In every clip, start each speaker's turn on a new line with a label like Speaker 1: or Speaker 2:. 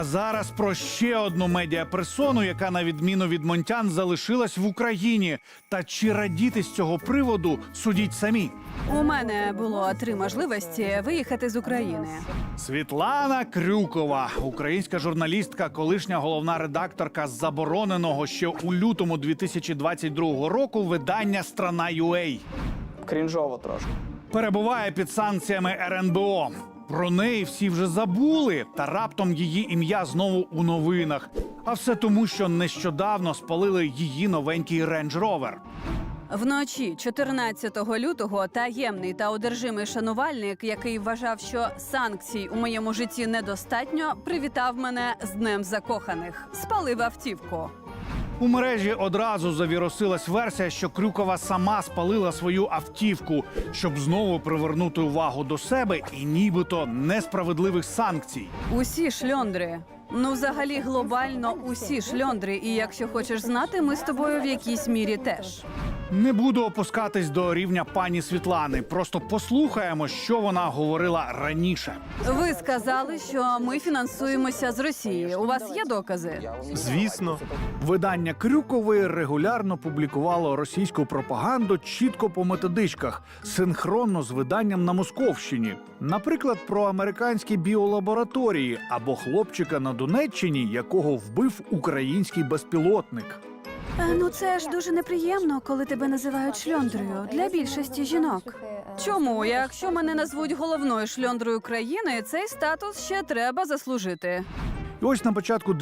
Speaker 1: Зараз про ще одну медіаперсону, яка на відміну від Монтян залишилась в Україні. Та чи радіти з цього приводу, судіть самі.
Speaker 2: У мене було 3 можливості виїхати з України.
Speaker 1: Світлана Крюкова, українська журналістка, колишня головна редакторка забороненого ще у лютому 2022 року видання «Страна.UA».
Speaker 3: Крінжово трошки.
Speaker 1: Перебуває під санкціями РНБО. Про неї всі вже забули, та раптом її ім'я знову у новинах. А все тому, що нещодавно спалили її новенький Range Rover.
Speaker 2: Вночі 14 лютого таємний та одержимий шанувальник, який вважав, що санкцій у моєму житті недостатньо, привітав мене з Днем закоханих. Спалив автівку.
Speaker 1: У мережі одразу завірусилась версія, що Крюкова сама спалила свою автівку, щоб знову привернути увагу до себе і нібито несправедливих санкцій.
Speaker 2: Усі шльондри. Ну, взагалі, глобально усі шльондри. І якщо хочеш знати, ми з тобою в якійсь мірі теж.
Speaker 1: Не буду опускатись до рівня пані Світлани. Просто послухаємо, що вона говорила раніше.
Speaker 2: Ви сказали, що ми фінансуємося з Росії. У вас є докази?
Speaker 1: Звісно. Видання Крюкової регулярно публікувало російську пропаганду чітко по методичках, синхронно з виданням на Московщині. Наприклад, про американські біолабораторії або хлопчика на Донеччині, якого вбив український безпілотник.
Speaker 2: Ну це ж дуже неприємно, коли тебе називають шльондрою для більшості жінок. Чому? Якщо мене назвуть головною шльондрою країни, цей статус ще треба заслужити.
Speaker 1: І ось на початку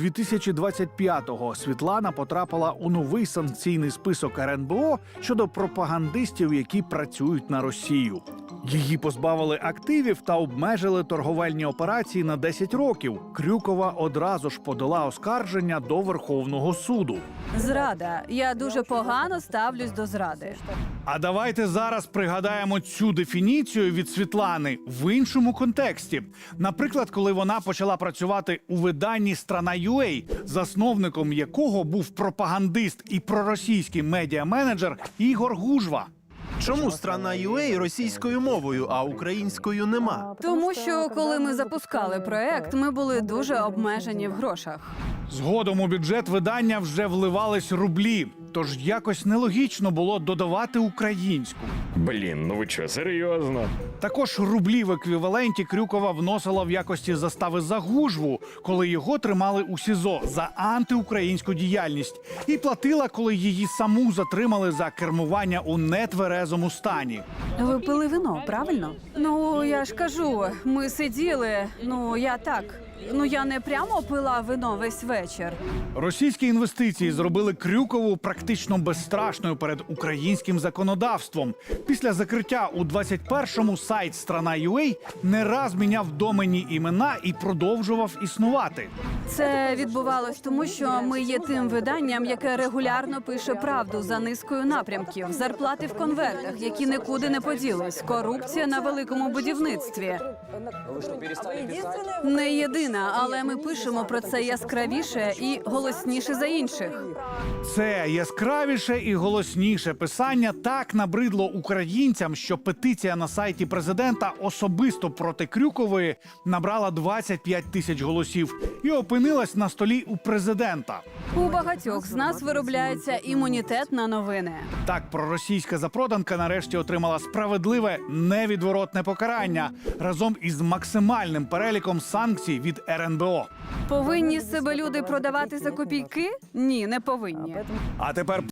Speaker 1: 2025-го Світлана потрапила у новий санкційний список РНБО щодо пропагандистів, які працюють на Росію. Її позбавили активів та обмежили торговельні операції на 10 років. Крюкова одразу ж подала оскарження до Верховного суду.
Speaker 2: Зрада. Я дуже погано ставлюсь до зради.
Speaker 1: А давайте зараз пригадаємо цю дефініцію від Світлани в іншому контексті. Наприклад, коли вона почала працювати у виданні «Страна.UA», засновником якого був пропагандист і проросійський медіаменеджер Ігор Гужва.
Speaker 4: Чому «Страна.UA» російською мовою, а українською нема?
Speaker 2: Тому що, коли ми запускали проект, ми були дуже обмежені в грошах.
Speaker 1: Згодом у бюджет видання вже вливались рублі, тож якось нелогічно було додавати українську.
Speaker 5: Блін, ну ви що, серйозно?
Speaker 1: Також рублі в еквіваленті Крюкова вносила в якості застави за Гужву, коли його тримали у СІЗО за антиукраїнську діяльність, і платила, коли її саму затримали за кермування у нетверезому стані.
Speaker 2: Ви пили вино, правильно? Ну, я ж кажу, ми сиділи, я не прямо пила вино весь вечір.
Speaker 1: Російські інвестиції зробили Крюкову практично безстрашною перед українським законодавством. Після закриття у 21-му сайт «Страна.UA» не раз міняв доменні імена і продовжував існувати.
Speaker 2: Це відбувалось тому, що ми є тим виданням, яке регулярно пише правду за низкою напрямків. Зарплати в конвертах, які нікуди не поділись. Корупція на великому будівництві. Не єдина, але ми пишемо про це яскравіше і голосніше за інших.
Speaker 1: Це яскравіше і голосніше писання так набридло українцям, що петиція на сайті президента особисто проти Крюкової набрала 25 тисяч голосів і опинилась на столі у президента.
Speaker 2: У багатьох з нас виробляється імунітет на новини.
Speaker 1: Так, проросійська запроданка нарешті отримала справедливе, невідворотне покарання разом із максимальним переліком санкцій від РНБО.
Speaker 2: Повинні себе люди продавати за копійки? Ні, не повинні.
Speaker 1: А тепер